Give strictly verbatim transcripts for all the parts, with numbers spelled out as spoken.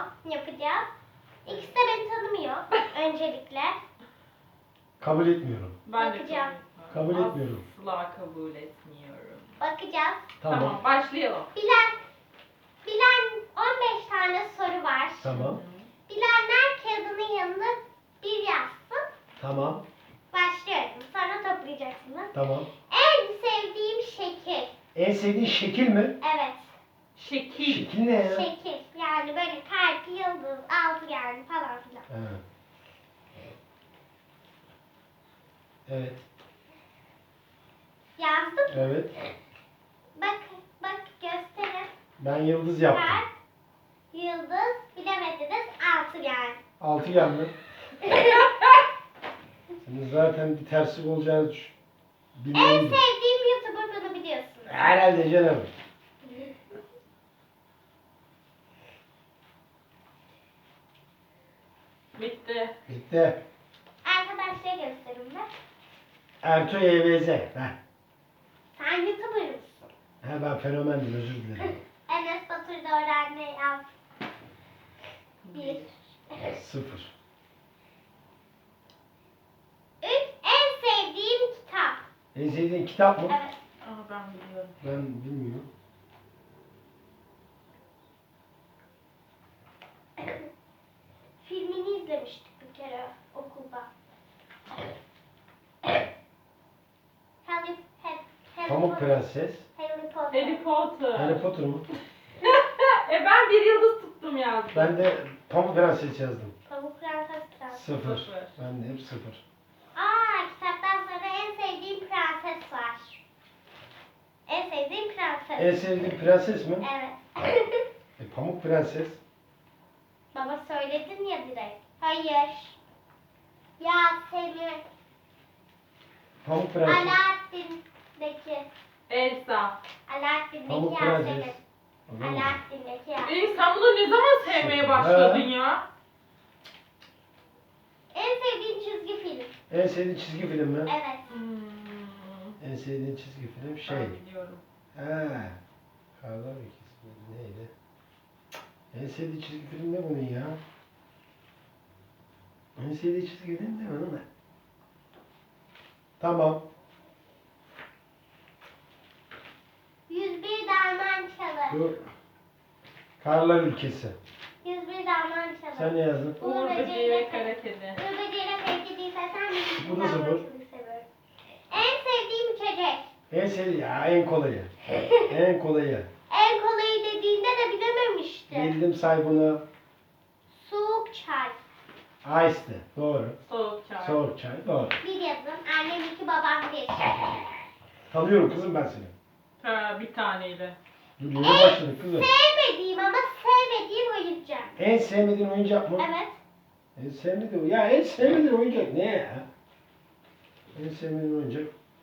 yapacağız. İkisi de beni tanımıyor öncelikle. Kabul etmiyorum. Ben de Bakacağım. Kabul etmiyorum. Asla kabul etmiyorum. Bakacağız. Tamam. Tamam, başlayalım. Bilen, bilen on beş tane soru var. Tamam. Bilenler kağıdının yanına bir yazsın. Tamam. Başlıyorum. Sonra toplayacaksınız. Tamam. En sevdiğim şekil. En sevdiğin şekil mi? Evet. Şekil. Şekil ne ya? Şekil. Yani böyle kalp, yıldız, altıgen falan filan. Evet. Evet. Yazdım. Evet. Bak, bak gösterin. Ben yıldız yaptım. Kalp, yıldız, bilemediniz altıgen. Altıgen mi? Senin zaten bir terslik olacağını düş- En bilmeliydim. sevdiğim YouTuber bunu biliyorsunuz. Herhalde canım. Bitti. Bitti. Arkadaşlara gösterin be. Ertuğ Y B Z. Heh. Sen YouTuber mısın? He ben fenomendim, özür dilerim. Enes Batur da öğrenme yaz. Bir. Sıfır. Üç. En sevdiğim kitap. En sevdiğin kitap mı? Evet. Aa, ben biliyorum. Ben bilmiyorum. Filmini izlemiştik bir kere okulda. Harry, Harry, Harry Pamuk Potter. Prenses. Harry Potter. Harry Potter. Harry Potter mı? e ben bir yıldız tuttum yazdım. Ben de Pamuk Prenses yazdım. Pamuk Prenses Prens. Sıfır. Sıfır. Ben de hep sıfır. Aa, kitaptan sonra en sevdiğim prenses var. En sevdiğim prenses. En sevdiğin prenses mi? Evet. E, Pamuk Prenses. Baba söyledin ya direkt. Hayır. Yasemin. Pamuk Prenses. Alaaddin'deki. Elsa. Alaaddin'deki Pamuk Yasemin. Prenses. Anladın mı? Alaaddin'deki Yasemin. E sen bunu ne zaman sevmeye başladın ya? En sevdiğim çizgi film. En sevdiğin çizgi film mi? Evet. Hmm, En sevdiğin çizgi film şey. ben biliyorum. He. Karlar Ülkesi miydi, neydi? En sevdiği çizgi film ne bunun ya? En sevdiği çizgi film ne bunun? Tamam. yüz bir Dalman Çalı. Bu Karlar Ülkesi. yüz bir Dalman Çalı. Sen ne yazdın? Uğur Böceği ve Kara Kedi. Uğur Böceği'yle Peki değilse sen bir Bu da sıfır. seviyorum. En sevdiğim içecek. En sevdiği ya en kolayı. En kolayı. En kolayı dediğinde de bilememiştim. Bildim say bunu. Soğuk çay. Ice'di. Doğru. Soğuk çay. Soğuk çay. Doğru. Bir yazın. Annem iki, babam bir. Tanıyorum kızım ben seni. Ha, bir taneyle. Dur yeni başladık kızım. Sevmediğim ama sevmediğim oyuncak. En sevmediğin oyuncak mı? Evet. En sevmediğin ya en sevmediğin oyuncak ne ya? En sevmediğin oyuncak.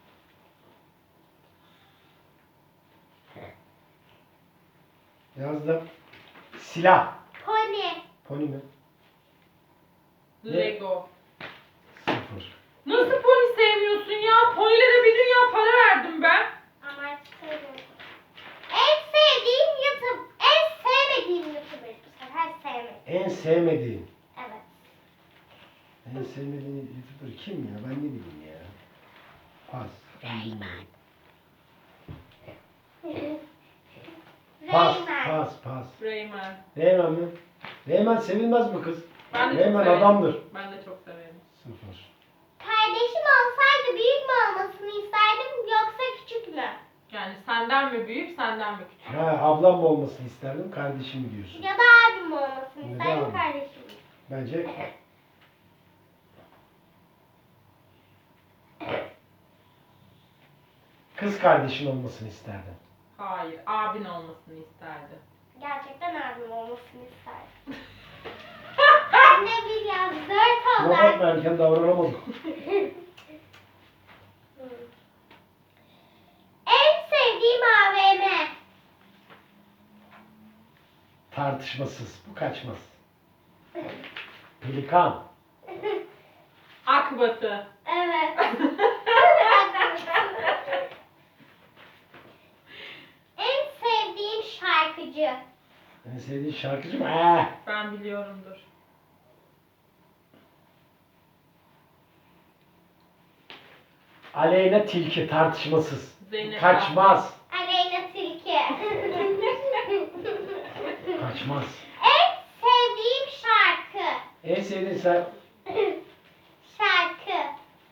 Yazdım. Silah. Pony. Pony mi? Ne? Lego. Sıfır. Nasıl pony sevmiyorsun ya? Ponylere bir dünya para verdim ben. Ama artık sevmiyorum. En sevdiğim YouTube. En sevmediğim YouTuber. Bu sefer sevmedim. En sevmediğin. Evet. En sevmediğin YouTuber kim ya? Ben ne bileyim ya. Pas. Ben bilmiyorum. Pas, Rayman. pas, pas. Rayman. Reymen mi? Reymen sevilmez mi kız? Ben de çok Reymen severim. adamdır. Ben de çok severim. Sıfır. Kardeşim olsaydı büyük mü olmasını isterdim yoksa küçük mü? Yani senden mi büyük, senden mi küçük? Ha, ablam mı olmasını isterdim, kardeşim mi diyorsun? Ya da abim olmasını Ya da isterdim abim. kardeşim. Bence kız kardeşin olmasını isterdim. Hayır, abin olmasını isterdi. Gerçekten abim olmasını isterdim. Ben de bir yaz dört Şuna oldu. bakma erken davranamadım. En sevdiğim A V M. Tartışmasız, bu kaçmaz. Pelikan. Akbatı. Evet. En sevdiğim şarkıcı. En sevdiğin şarkıcı mı? Ee. Ben biliyorumdur. Aleyna Tilki tartışmasız. Zeynep Kaçmaz. Aleyna Tilki. Kaçmaz. En sevdiğim şarkı. En sevdiğin sen Şarkı.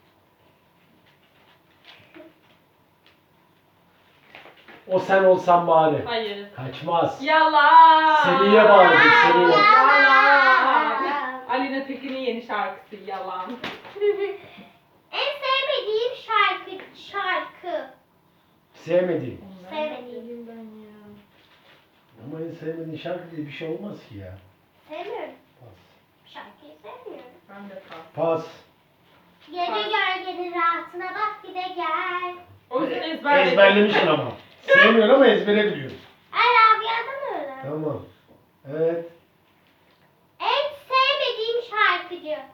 o sen olsan bari. Hayır. Kaçmaz. Yalan. Seriye bağladık, seriye. Yalan. Alina Tekin'in yeni şarkısı Yalan. En sevmediğim şarkı. Şarkı. Sevmediğin. Sevmediğim. Ben ya. Ama en sevmediğin şarkı diye bir şey olmaz ki ya. Sevmiyorum. Pas. Şarkıyı sevmiyorum. Ben de kal. Pas. Gece gölgenin rahatına bak bir de gel. O yüzden ezberledim. Ezberlemişsin ama. Sevmiyorsun ama ezbere biliyorsun. Ay Rabia'dan öyle. Tamam. Evet. En sevmediğim şarkıcı. Ya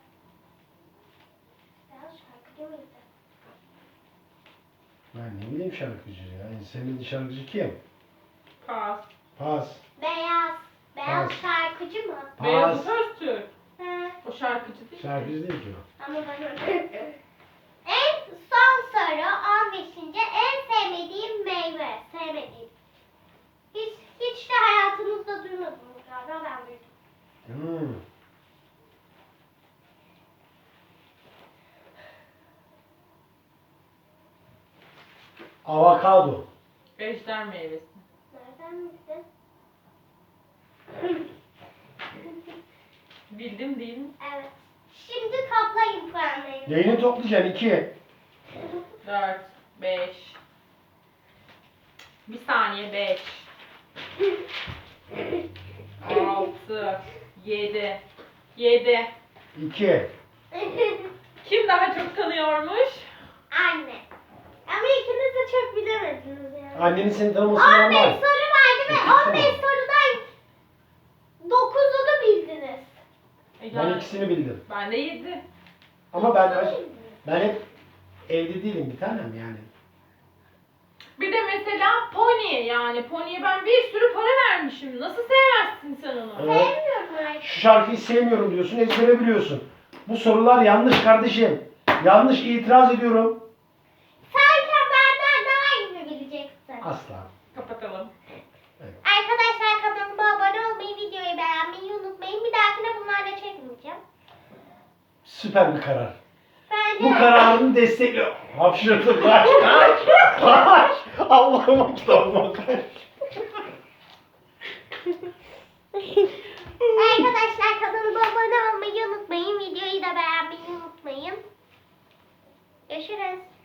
şarkıcı mıydı? Ben ne bileyim şarkıcı ya. En sevmediğin şarkıcı kim? Pas. Pas. Beyaz. Beyaz Pas. şarkıcı mı? Pas. Beyazıt Öztürk. He. O şarkıcı değil. Şarkıcı değil ki o. Ama ben En son soru on beşinci. En sevmediğim meyve. Sevmediğim. Hiç, hiç de hayatımızda duymadınız galiba, ben duydum. Hmm. Avokado. Ejder meyvesi. Nereden bildin? Bildim değil mi? Evet. Şimdi toplayın puanlarını. Neyini toplayacaksın? İki. Dört. Beş. Bir saniye beş. Altı. Yedi. Yedi. İki. Kim daha çok tanıyormuş? Anne. Ama ikiniz de çok bilemediniz yani. Annenin seni tanıması on beş normal. soru vardı ve on beş sorudan dokuzunu bildiniz. E Ben yani- ikisini bildim. Ben de yedi. Ama ben ben hep evde değilim bir tanem yani. Bir de mesela Pony yani. Pony'ye ben bir sürü para vermişim. Nasıl sevmezsin sen onu? Evet. Sevmiyorum artık. Şu şarkıyı sevmiyorum diyorsun, ezbere biliyorsun. Bu sorular yanlış kardeşim. Yanlış, itiraz ediyorum. Sanki benden daha iyi mi bileceksin? Asla. Kapatalım. Arkadaşlar kanalıma abone olmayı, videoyu beğenmeyi unutmayın. Bir dahakine bunlarla çekmeyeceğim. Süper bir karar. Bence Bu kararını destekliyorum. Hapşırdım. Kaç, kaç, kaç. Allah'ıma kitabıma kaç. Arkadaşlar kanalıma abone olmayı unutmayın. Videoyu da beğenmeyi unutmayın. Görüşürüz.